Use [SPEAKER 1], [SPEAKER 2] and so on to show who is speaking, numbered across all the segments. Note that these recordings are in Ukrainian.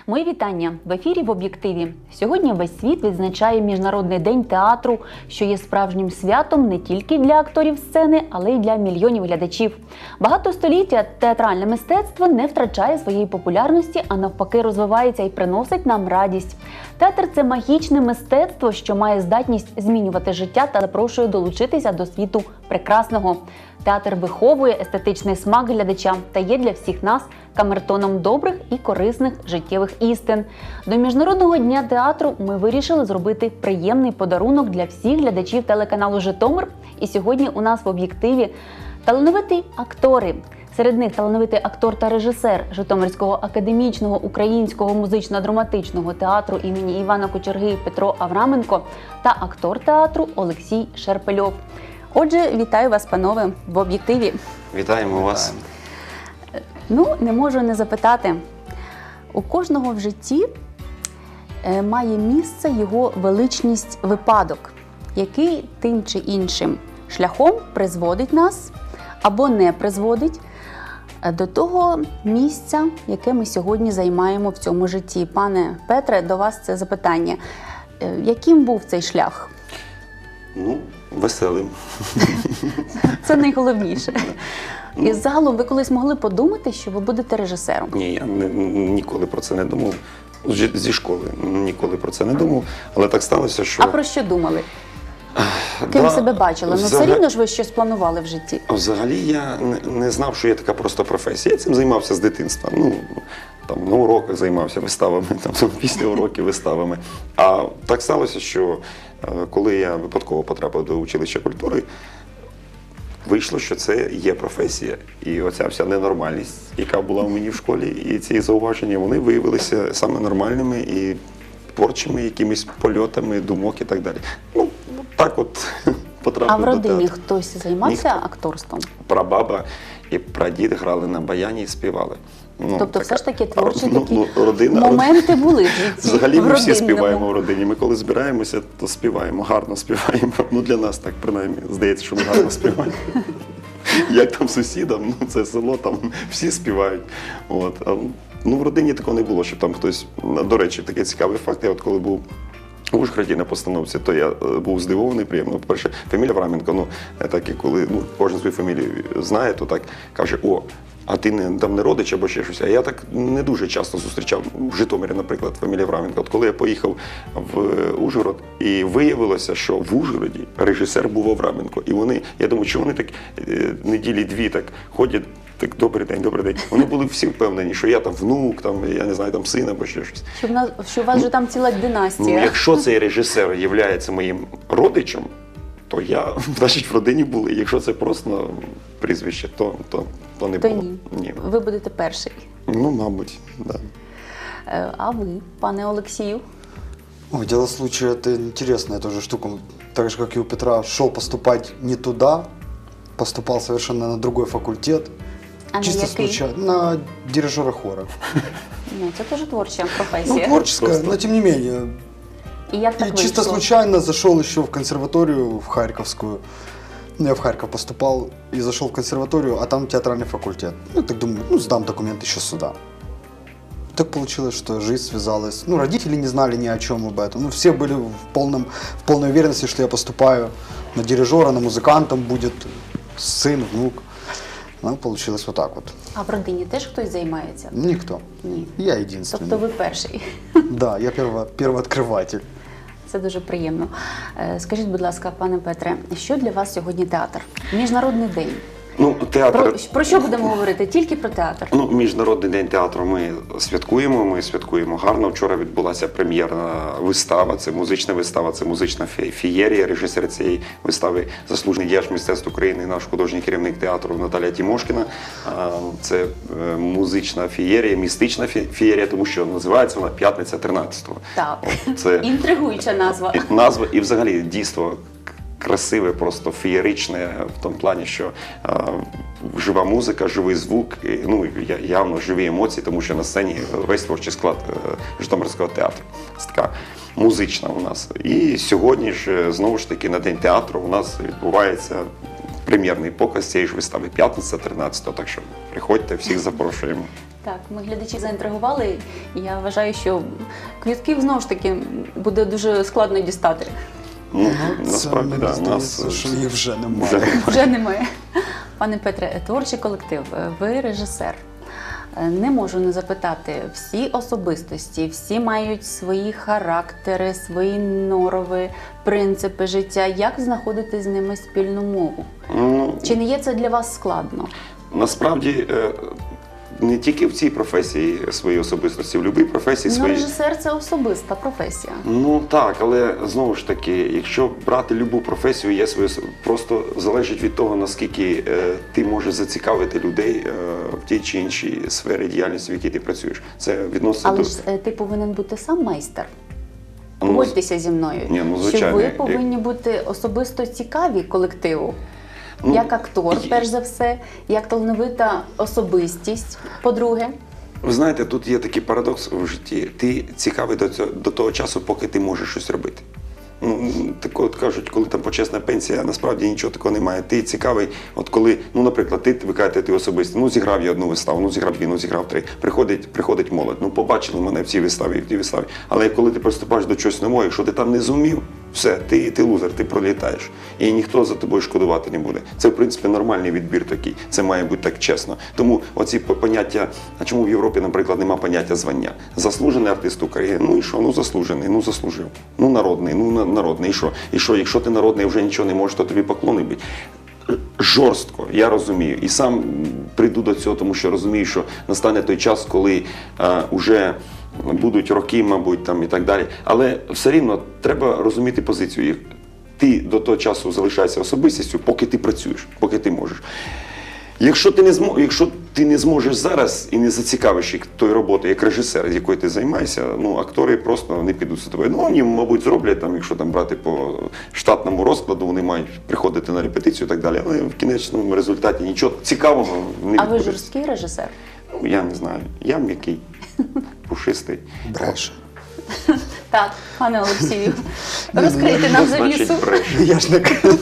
[SPEAKER 1] Мої вітання в ефірі «В об'єктиві». Сьогодні весь світ відзначає Міжнародний день театру, що є справжнім святом не тільки для акторів сцени, але й для мільйонів глядачів. Багато століття театральне мистецтво не втрачає своєї популярності, а навпаки розвивається і приносить нам радість. Театр – це магічне мистецтво, що має здатність змінювати життя та запрошує долучитися до світу прекрасного. Театр виховує естетичний смак глядача та є для всіх нас камертоном добрих і корисних життєвих істин. До Міжнародного дня театру ми вирішили зробити приємний подарунок для всіх глядачів телеканалу «Житомир». І сьогодні у нас в об'єктиві талановиті актори. Серед них талановитий актор та режисер Житомирського академічного українського музично-драматичного театру імені Івана Кочерги Петро Авраменко та актор театру Олексій Шерпельов. Отже, вітаю вас, панове, в об'єктиві.
[SPEAKER 2] Вітаємо вас.
[SPEAKER 1] Не можу не запитати. У кожного в житті має місце його величність випадок, який тим чи іншим шляхом призводить нас або не призводить до того місця, яке ми сьогодні займаємо в цьому житті. Пане Петре, до вас це запитання. Яким був цей шлях?
[SPEAKER 2] Веселим.
[SPEAKER 1] Це найголовніше. І загалом ви колись могли подумати, що ви будете режисером?
[SPEAKER 2] Ні, я ніколи про це не думав. Зі школи ніколи про це не думав. Але так сталося, що...
[SPEAKER 1] А про що думали? Ким себе бачили? Все рівно ж ви щось планували в житті?
[SPEAKER 2] Взагалі я не знав, що є така просто професія. Я цим займався з дитинства. На уроках займався виставами, після уроків виставами. А так сталося, що коли я випадково потрапив до училища культури, вийшло, що це є професія. І оця вся ненормальність, яка була у мені в школі, і ці зауваження, вони виявилися саме нормальними і творчими якимись польотами, думок і так далі. Так от потрапив.
[SPEAKER 1] А в родині хтось займався акторством?
[SPEAKER 2] Прабаба і прадід грали на баяні і співали.
[SPEAKER 1] Тобто все ж таки творчі такі
[SPEAKER 2] родина,
[SPEAKER 1] моменти були в житті?
[SPEAKER 2] Взагалі ми всі співаємо в родині. Ми коли збираємося, то співаємо, гарно співаємо. Для нас так, принаймні, здається, що ми гарно співаємо. Як там сусідам, це село, там всі співають. В родині такого не було, щоб там хтось... До речі, такий цікавий факт, я коли був в Ужгороді на постановці, то я був здивований, приємно. По-перше, фамілія Авраменко, так і коли кожен свою фамілію знає, то так каже: о, а ти там не родич або ще щось. А я так не дуже часто зустрічав в Житомирі, наприклад, фамілія Авраменко. От коли я поїхав в Ужгород, і виявилося, що в Ужгороді режисер був Авраменко. І вони, я думаю, що вони так неділі-дві так ходять, так, добрий день, добрий день. Вони були всі впевнені, що я там внук, я не знаю, там син або ще щось.
[SPEAKER 1] Що у вас же там ціла династія.
[SPEAKER 2] Якщо цей режисер є моїм родичем, то значить, в родині були. Якщо це просто прізвище, то не було.
[SPEAKER 1] Ні. Ви будете перший.
[SPEAKER 2] Мабуть, да.
[SPEAKER 1] А ви, пане Олексію?
[SPEAKER 3] Дело случая, это интересная тоже штука. Так же, как и у Петра, шел поступать не туда, поступал совершенно на другой факультет.
[SPEAKER 1] А
[SPEAKER 3] чисто случайно, на дирижера хора.
[SPEAKER 1] Це теж творча професія.
[SPEAKER 3] Творческая, но тем не менее.
[SPEAKER 1] И як так
[SPEAKER 3] чисто случайно зашел еще в консерваторию, в Харьковскую. Я в Харьков поступал и зашел в консерваторию, а там театральный факультет. Так думаю, сдам документы еще сюда. Так получилось, что жизнь связалась. Родители не знали ни о чем об этом. Все были в полной уверенности, что я поступаю на дирижера, на музыканта будет сын, внук. Получилось вот так вот.
[SPEAKER 1] А в родині теж хтось займається?
[SPEAKER 3] Никто.
[SPEAKER 1] Ні.
[SPEAKER 3] Я единственный.
[SPEAKER 1] Тобто ви перший?
[SPEAKER 3] Да, я первооткрыватель.
[SPEAKER 1] Це дуже приємно. Скажіть, будь ласка, пане Петре, що для вас сьогодні театр? Міжнародний день.
[SPEAKER 2] Театр...
[SPEAKER 1] Про що будемо говорити? Тільки про театр?
[SPEAKER 2] Міжнародний день театру ми святкуємо гарно. Вчора відбулася прем'єрна вистава, це музична вистава, це музична феєрія. Режисер цієї вистави – заслужений діяч мистецтв України, наш художній керівник театру Наталія Тімошкіна. Це музична феєрія, містична феєрія, тому що називається вона «П'ятниця 13-го».
[SPEAKER 1] Так, це інтригуюча назва.
[SPEAKER 2] Назва і взагалі дійство красиве, просто феєричне в тому плані, що жива музика, живий звук, явно живі емоції, тому що на сцені весь творчий склад Житомирського театру. Це така музична у нас. І сьогодні ж, знову ж таки, на День театру у нас відбувається прем'єрний показ цієї ж вистави, п'ятниця 13-го, так що приходьте, всіх запрошуємо.
[SPEAKER 1] Так, ми глядачі заінтригували, і я вважаю, що квитків знову ж таки буде дуже складно дістати.
[SPEAKER 2] Ну,
[SPEAKER 3] Це
[SPEAKER 2] насправді,
[SPEAKER 3] мені
[SPEAKER 2] да,
[SPEAKER 3] здається, що їх вже немає.
[SPEAKER 2] вже
[SPEAKER 1] Вже немає. Пане Петре, творчий колектив, ви режисер. Не можу не запитати, всі особистості, всі мають свої характери, свої норові, принципи життя. Як знаходити з ними спільну мову?
[SPEAKER 2] Ну,
[SPEAKER 1] Чи не є це для вас складно?
[SPEAKER 2] насправді, не тільки в цій професії свої особистості, в будь-якій професії
[SPEAKER 1] Ну,
[SPEAKER 2] свої.
[SPEAKER 1] режисер – це особиста професія.
[SPEAKER 2] Ну так, але знову ж таки, якщо брати любу професію, є своє просто залежить від того, наскільки ти можеш зацікавити людей в тій чи іншій сфері діяльності, в якій ти працюєш. Це відноситься
[SPEAKER 1] Але
[SPEAKER 2] до
[SPEAKER 1] ж ти повинен бути сам майстер.
[SPEAKER 2] Ну,
[SPEAKER 1] Погодьтеся зі мною,
[SPEAKER 2] ні, ну,
[SPEAKER 1] що
[SPEAKER 2] звичайно,
[SPEAKER 1] ви повинні бути особисто цікаві колективу.
[SPEAKER 2] Ну,
[SPEAKER 1] Як актор,
[SPEAKER 2] і-
[SPEAKER 1] перш за все, як талановита особистість, по-друге.
[SPEAKER 2] Ви знаєте, тут є такий парадокс у житті. Ти цікавий до того часу, поки ти можеш щось робити. Ну, так от кажуть, коли там почесна пенсія, насправді нічого такого немає. Ти цікавий, от коли, ну, наприклад, ви кажете, ти особисто, ну, зіграв я одну виставу, ну, зіграв дві, ну, зіграв три. Приходить молодь, ну, побачили мене в цій виставі, в тій виставі. Але коли ти приступаєш до чогось нового, якщо ти там не зумів, все, ти лузер, ти пролітаєш. І ніхто за тобою шкодувати не буде. Це, в принципі, нормальний відбір такий. Це має бути так чесно. Тому оці поняття, а чому в Європі, наприклад, нема поняття звання? Заслужений артист України, ну і що? Ну заслужений, ну заслужив. Ну народний, ну народний, і що? І що, якщо ти народний вже нічого не можеш, то тобі поклони бить. Жорстко, я розумію. І сам прийду до цього, тому що розумію, що настане той час, коли вже будуть роки, мабуть, там і так далі. Але все рівно треба розуміти позицію. Ти до того часу залишаєшся особистістю, поки ти працюєш, поки ти можеш. Якщо ти не зможеш зараз і не зацікавиш їх тої роботи, як режисер, з якою ти займаєшся, ну, актори просто не підуть за тобою. Ну, вони, мабуть, зроблять, там, якщо там брати по штатному розкладу, вони мають приходити на репетицію і так далі, але в кінечному результаті нічого цікавого не
[SPEAKER 1] А ви
[SPEAKER 2] відбудеться.
[SPEAKER 1] жорсткий режисер?
[SPEAKER 2] Ну, я не знаю. Я м'який, пушистий.
[SPEAKER 3] Бреше.
[SPEAKER 1] Так, пане Олексію, розкрийте нам
[SPEAKER 2] Що значить
[SPEAKER 1] завісу.
[SPEAKER 2] бреше?
[SPEAKER 3] Я ж не кажу.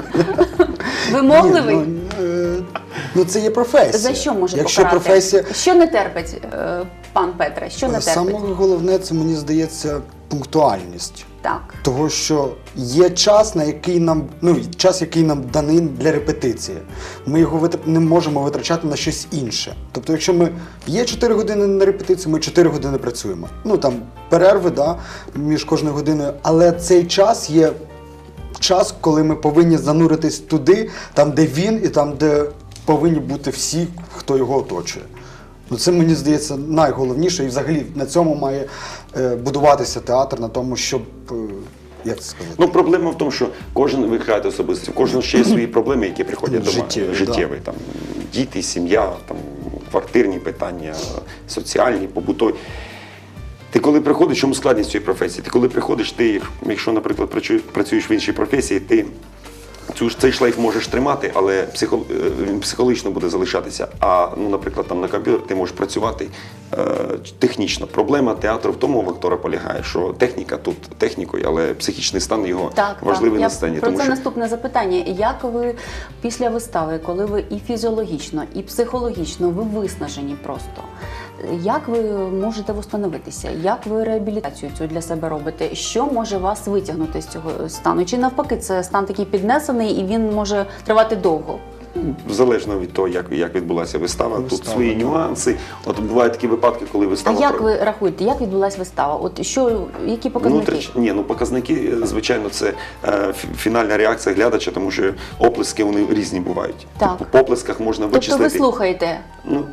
[SPEAKER 1] Вимогливий?
[SPEAKER 3] Ну, це є професія.
[SPEAKER 1] За що може
[SPEAKER 3] Якщо
[SPEAKER 1] покарати?
[SPEAKER 3] професія,
[SPEAKER 1] Що не терпить, пан Петре? Що не терпить?
[SPEAKER 3] саме головне, це, мені здається, пунктуальність.
[SPEAKER 1] Так.
[SPEAKER 3] Того, що є час, який нам даний для репетиції. Ми його не можемо витрачати на щось інше. Тобто, якщо ми є 4 години на репетицію, ми 4 години працюємо. Ну там перерви, да, між кожною годиною, але цей час є час, коли ми повинні зануритись туди, там, де він, і там, де повинні бути всі, хто його оточує. Ну, це, мені здається, найголовніше, і взагалі на цьому має будуватися театр, на тому, щоб, як це сказати?
[SPEAKER 2] Ну, проблема в тому, що ви кажете особисто, у кожного ще є свої проблеми, які приходять до
[SPEAKER 3] Життєві,
[SPEAKER 2] там, діти, сім'я, там, квартирні питання, соціальні, побутові. Ти коли приходиш, чому складність цієї професії? Ти коли приходиш, якщо, наприклад, працюєш в іншій професії, ти цей шлейф можеш тримати, але він психологічно буде залишатися. А, ну, наприклад, там на комп'ютері ти можеш працювати технічно. Проблема театру в тому в актора полягає, що техніка тут технікою, але психічний стан його важливий на сцені.
[SPEAKER 1] Про це наступне запитання. Як ви після вистави, коли ви і фізіологічно, і психологічно, ви виснажені просто, як ви можете встановитися? Як ви реабілітацію цю для себе робите? Що може вас витягнути з цього стану? Чи навпаки, це стан такий піднесений і він може тривати довго?
[SPEAKER 2] Залежно від того, як відбулася вистава, тут свої нюанси. От бувають такі випадки, коли
[SPEAKER 1] А
[SPEAKER 2] вистава...
[SPEAKER 1] як ви рахуєте, як відбулася вистава? От які показники?
[SPEAKER 2] Показники, звичайно, це фінальна реакція глядача, тому що оплески вони різні бувають.
[SPEAKER 1] Так.
[SPEAKER 2] По оплесках можна вичислити.
[SPEAKER 1] Тобто ви слухаєте?
[SPEAKER 2] Ну,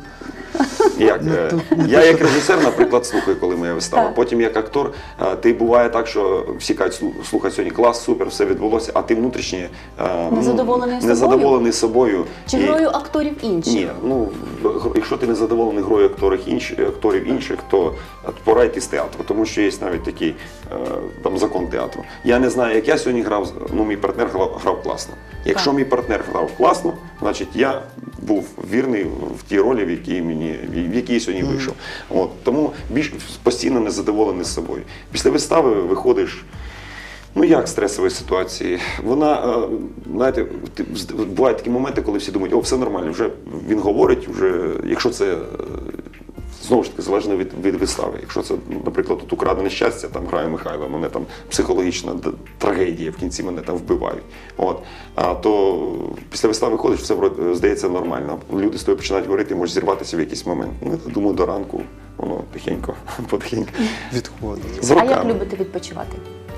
[SPEAKER 2] я як режисер, наприклад, слухаю, коли моя вистава.
[SPEAKER 1] Так.
[SPEAKER 2] Потім як актор, ти буває так, що всі кажуть, слухай, сьогодні клас, супер, все відбулося, а ти внутрішньо незадоволений собою.
[SPEAKER 1] Чи грою акторів інших?
[SPEAKER 2] Ні, ну, якщо ти не задоволений грою акторів інших, то пора йти з театру, тому що є навіть такий там закон театру. Я не знаю, як я сьогодні грав, ну, мій партнер грав класно. Якщо мій партнер грав класно, значить я був вірний в тій ролі, в якій я сьогодні вийшов. От, тому постійно незадоволений з собою. Після вистави виходиш Ну як стресові ситуації? Вона, знаєте, бувають такі моменти, коли всі думають, о, все нормально, вже він говорить, вже, якщо це, знову ж таки, залежно від вистави. Якщо це, наприклад, тут «Украдене щастя», там грає Михайло, мене там психологічна трагедія, в кінці мене там вбивають. От. А то після вистави ходиш, все здається нормально. Люди з тобою починають говорити, можеш зірватися в якийсь момент. Ну, я думаю, до ранку воно потихеньку
[SPEAKER 3] Відходить.
[SPEAKER 2] з
[SPEAKER 1] А як
[SPEAKER 2] роками.
[SPEAKER 1] любите відпочивати?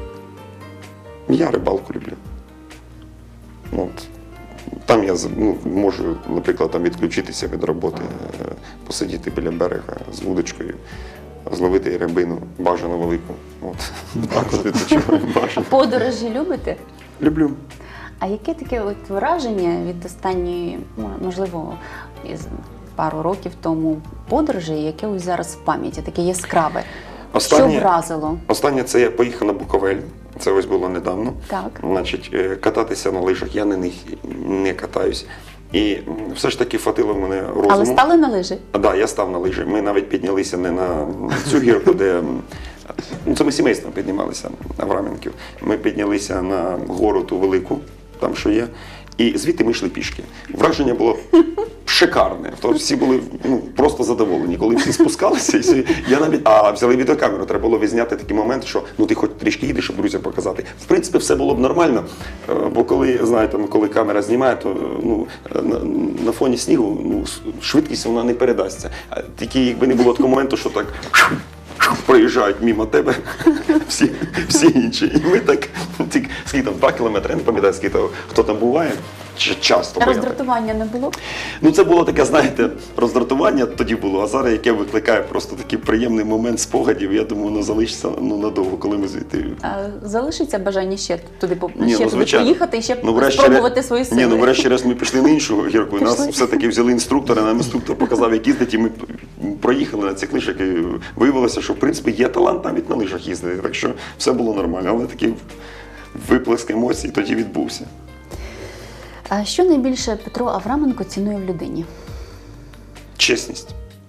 [SPEAKER 2] Я рибалку люблю. От. Там я можу, наприклад, там відключитися від роботи, посидіти біля берега з вудочкою, зловити рибину, бажано велику. От. Так от відпочиваю, бажано.
[SPEAKER 1] Подорожі любите?
[SPEAKER 2] Люблю.
[SPEAKER 1] А яке таке от враження від останньої, можливо, із пару років тому подорожі, яке ось зараз в пам'яті, таке яскраве? Що вразило?
[SPEAKER 2] Останнє це я поїхав на Буковель. Це ось було недавно.
[SPEAKER 1] Так.
[SPEAKER 2] Значить, кататися на лижах, я на них не катаюсь. І все ж таки хватило в мене розуму.
[SPEAKER 1] Але стали на лижі?
[SPEAKER 2] Так, да, я став на лижі. Ми навіть піднялися не на цю гірку, де це ми сімейством піднімалися в Раменків. Ми піднялися на гору ту велику, там що є, і звідти ми йшли пішки. Враження було шикарне. Тобто всі були просто задоволені. Коли всі спускалися, я навіть взяли відеокамеру, треба було відзняти такий момент, що ти хоч трішки їдеш, щоб друзям показати. В принципі, все було б нормально, бо коли камера знімає, то на фоні снігу швидкість вона не передасться. Тільки якби не було такого моменту, що так проїжджають мимо тебе всі інші. І ми так, скільки там, 2 кілометри, я не пам'ятаю, скільки хто там буває, часто.
[SPEAKER 1] Роздратування не було?
[SPEAKER 2] Це було таке, знаєте, роздратування тоді було, а зараз яке викликає просто такий приємний момент спогадів. Я думаю, воно залишиться надовго, коли ми звідти.
[SPEAKER 1] А залишиться бажання ще туди
[SPEAKER 2] звичайно.
[SPEAKER 1] поїхати і ще спробувати свої сили?
[SPEAKER 2] Врешті-решт ми пішли на іншу гірку, і нас все-таки взяли інструктора, нам інструктор показав, як їздити, і ми проїхали на цих лижах, і виявилося, що в принципі є талант навіть на лижах їздити, так що все було нормально, але такий виплеск емоцій тоді відбувся.
[SPEAKER 1] А що найбільше Петро Авраменко цінує в людині?
[SPEAKER 2] Чесність.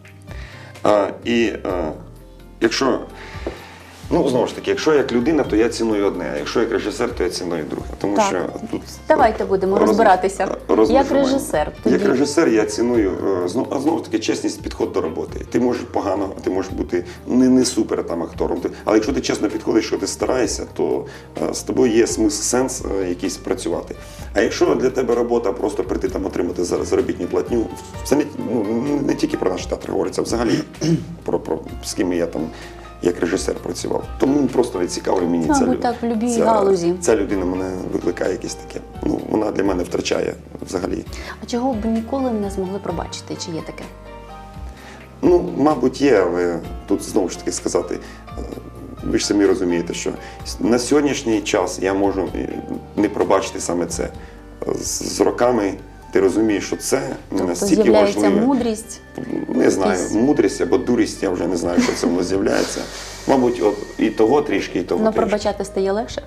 [SPEAKER 2] Якщо, знову ж таки, якщо як людина, то я ціную одне, а якщо як режисер, то я ціную друге. Тому
[SPEAKER 1] Так.
[SPEAKER 2] що тут
[SPEAKER 1] Давайте будемо розбиратися. Як режисер тоді?
[SPEAKER 2] Як режисер я ціную, знову ж таки, чесність, підход до роботи. Ти можеш погано, ти можеш бути не супер там актором, але якщо ти чесно підходиш, що ти стараєшся, то з тобою є сенс якийсь працювати. А якщо для тебе робота просто прийти там отримати заробітну платню, це не тільки про наш театр говориться, а взагалі про з ким я там як режисер працював. Тому просто не цікавий мені
[SPEAKER 1] так, в любій галузі.
[SPEAKER 2] Ця людина мене викликає якесь таке. Вона для мене втрачає взагалі.
[SPEAKER 1] А чого б ніколи не змогли пробачити? Чи є таке?
[SPEAKER 2] Мабуть, є, але тут знову ж таки сказати, ви ж самі розумієте, що на сьогоднішній час я можу не пробачити саме це. З роками ти розумієш, що це не настільки важливо.
[SPEAKER 1] Тобто з'являється мудрість?
[SPEAKER 2] Не знаю, мудрість або дурість, я вже не знаю, що це воно з'являється. Мабуть, і того трішки, і того трішки.
[SPEAKER 1] Пробачати стає легше?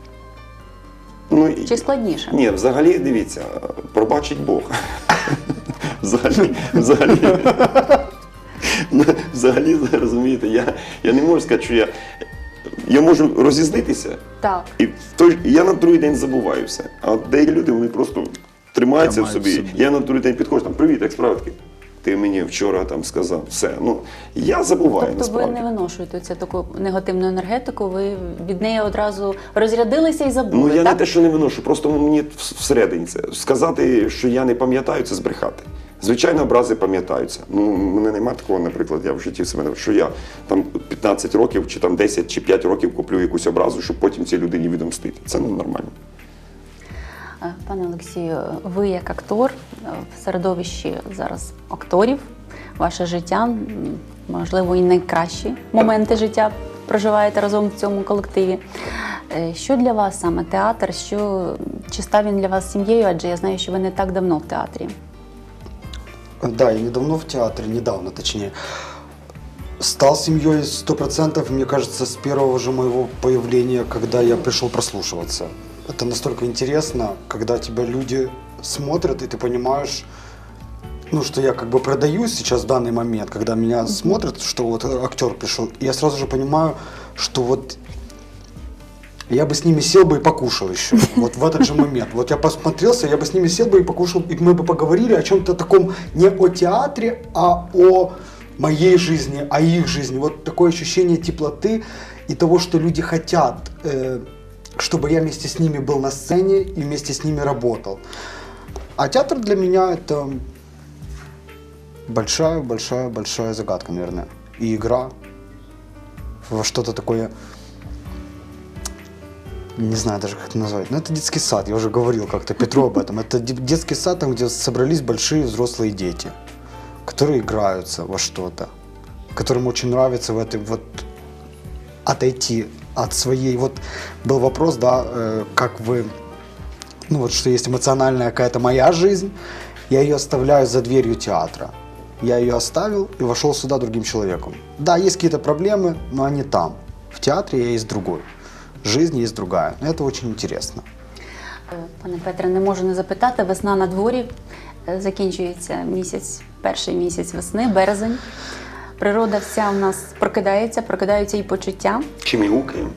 [SPEAKER 1] Чи складніше?
[SPEAKER 2] Ні, взагалі, дивіться, пробачить Бог. Взагалі, розумієте, я не можу сказати, що я можу розізлитися,
[SPEAKER 1] так.
[SPEAKER 2] І я на другий день забуваю все. А деякі люди, вони просто тримаються в собі. Я на другий день підходжу, там, привіт, як справи? Ти мені вчора там сказав, все. Я забуваю,
[SPEAKER 1] тобто
[SPEAKER 2] насправді.
[SPEAKER 1] Ви не виношуєте цю таку негативну енергетику, ви від неї одразу розрядилися і забули,
[SPEAKER 2] я
[SPEAKER 1] так?
[SPEAKER 2] не те, що не виношу, просто мені всередині це. Сказати, що я не пам'ятаю, це збрехати. Звичайно, образи пам'ятаються. Мене немає такого, наприклад, я в житті себе, що я там 15 років, чи там 10, чи 5 років куплю якусь образу, щоб потім цій людині відомстити. Це нормально.
[SPEAKER 1] Пане Олексію, ви як актор в середовищі зараз акторів, ваше життя, можливо, і найкращі моменти життя проживаєте разом в цьому колективі. Що для вас саме театр? Чи став він для вас сім'єю? Адже я знаю, що ви не так давно в театрі.
[SPEAKER 3] Да, я недавно в театре, недавно точнее. Стал семьей 100%, мне кажется, с первого же моего появления, когда я пришел прослушиваться. Это настолько интересно, когда тебя люди смотрят, и ты понимаешь, что я как бы продаюсь сейчас в данный момент, когда меня смотрят, что вот актер пришел, и я сразу же понимаю, что вот я бы с ними сел бы и покушал еще. Вот в этот же момент. Вот я посмотрелся, я бы с ними сел бы и покушал, и мы бы поговорили о чем-то таком не о театре, а о моей жизни, о их жизни. Вот такое ощущение теплоты и того, что люди хотят, чтобы я вместе с ними был на сцене и вместе с ними работал. А театр для меня это большая загадка, наверное. И игра во что-то такое, не знаю даже, как это назвать. Но это детский сад, я уже говорил как-то Петру об этом. Это детский сад, там, где собрались большие взрослые дети, которые играются во что-то, которым очень нравится в этой вот отойти от своей. Вот был вопрос, да, как вы, ну вот что есть эмоциональная какая-то моя жизнь, я ее оставляю за дверью театра. Я ее оставил и вошел сюда другим человеком. Да, есть какие-то проблемы, но они там. В театре я есть другой. Жизнь есть другая. Это очень интересно.
[SPEAKER 1] Пане Петре, не можу не запитати. Весна на дворі, закінчується місяць, перший місяць весни, березень. Природа вся у нас прокидаються і почуття.
[SPEAKER 2] Чим і гукаємо.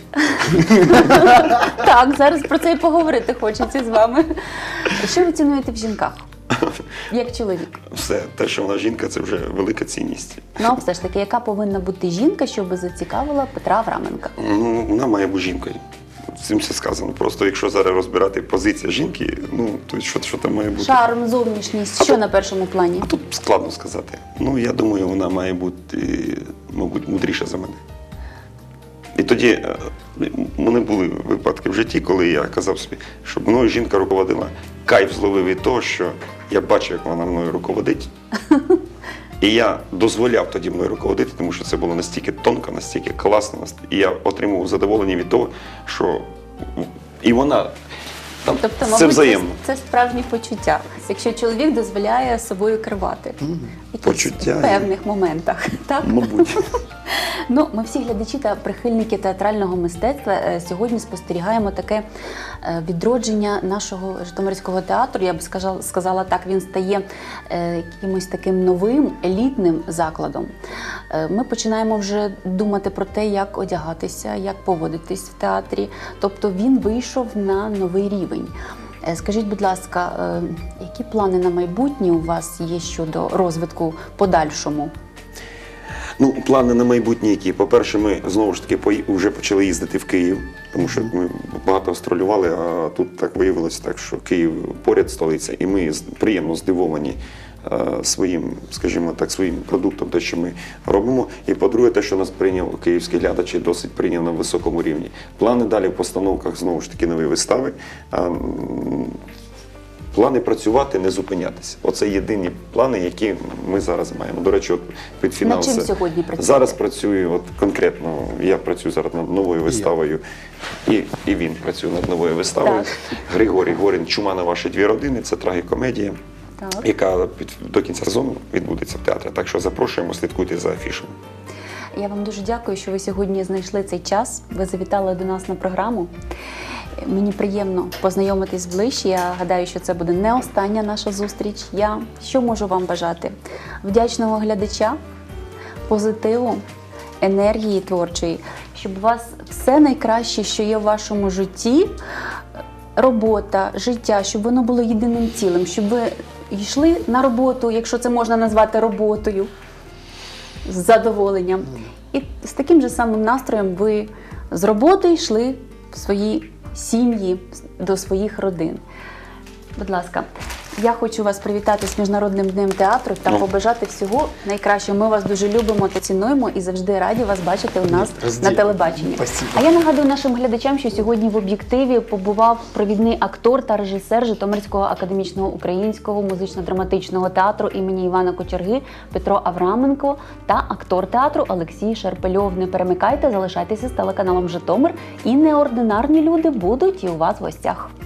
[SPEAKER 1] Так, зараз про це і поговорити хочеться з вами. Що ви цінуєте в жінках? Як чоловік?
[SPEAKER 2] Все, те, що вона жінка, це вже велика цінність.
[SPEAKER 1] Ну, а все ж таки, яка повинна бути жінка, щоб зацікавила Петра Авраменка?
[SPEAKER 2] Ну, вона має бути жінкою. З цим все сказано. Просто якщо зараз розбирати позицію жінки, ну, то що там має бути?
[SPEAKER 1] Шарм, зовнішність, що на першому плані?
[SPEAKER 2] А тут складно сказати. Ну, я думаю, вона має бути, мабуть, мудріша за мене. І тоді у мене були випадки в житті, коли я казав собі, щоб мною жінка руководила. Кайф зловив від того, що я бачив, як вона мною руководить. І я дозволяв тоді мною руководити, тому що це було настільки тонко, настільки класно. І я отримував задоволення від того, що і вона там,
[SPEAKER 1] Тобто,
[SPEAKER 2] це
[SPEAKER 1] мабуть,
[SPEAKER 2] взаємно.
[SPEAKER 1] це справжні почуття, якщо чоловік дозволяє собою керувати. В
[SPEAKER 2] Почуття.
[SPEAKER 1] В певних моментах. Так?
[SPEAKER 2] Мабуть.
[SPEAKER 1] Ну, ми всі глядачі та прихильники театрального мистецтва сьогодні спостерігаємо таке відродження нашого Житомирського театру. Я б сказала так, він стає якимось таким новим, елітним закладом. Ми починаємо вже думати про те, як одягатися, як поводитись в театрі. Тобто він вийшов на новий рівень. Скажіть, будь ласка, які плани на майбутнє у вас є щодо розвитку подальшому?
[SPEAKER 2] Ну, плани на майбутнє які. По-перше, ми знову ж таки вже почали їздити в Київ, тому що ми багато гастролювали, а тут так виявилося так, що Київ поряд столиця, і ми приємно здивовані своїм, скажімо так, своїм продуктом, те, що ми робимо. І по-друге, те, що нас прийняв київський глядач, і досить прийняв на високому рівні. Плани далі в постановках, знову ж таки, нові вистави. Плани працювати, не зупинятися. Оце єдині плани, які ми зараз маємо. До речі, от під фінал.
[SPEAKER 1] Над чим сьогодні працюєте?
[SPEAKER 2] Зараз працюю, от конкретно, я працюю зараз над новою виставою, і він працює над новою виставою.
[SPEAKER 1] Так.
[SPEAKER 2] Григорій Горін «Чума на ваші дві родини» – це трагікомедія,
[SPEAKER 1] Так.
[SPEAKER 2] яка до кінця сезону відбудеться в театрі. Так що запрошуємо, слідкуйте за афішами.
[SPEAKER 1] Я вам дуже дякую, що ви сьогодні знайшли цей час. Ви завітали до нас на програму. Мені приємно познайомитись ближче. Я гадаю, що це буде не остання наша зустріч. Я що можу вам бажати? Вдячного глядача, позитиву, енергії творчої, щоб у вас все найкраще, що є в вашому житті, робота, життя, щоб воно було єдиним цілим, щоб ви йшли на роботу, якщо це можна назвати роботою, з задоволенням. І з таким же самим настроєм ви з роботи йшли в свої сім'ї, до своїх родин. Будь ласка, я хочу вас привітати з Міжнародним днем театру та побажати всього найкращого. Ми вас дуже любимо та цінуємо і завжди раді вас бачити у нас на телебаченні.
[SPEAKER 3] Спасибо.
[SPEAKER 1] А я нагадую нашим глядачам, що сьогодні в об'єктиві побував провідний актор та режисер Житомирського академічного українського музично-драматичного театру імені Івана Кочерги Петро Авраменко та актор театру Олексій Шерпельов. Не перемикайте, залишайтеся з телеканалом Житомир, і неординарні люди будуть і у вас в гостях.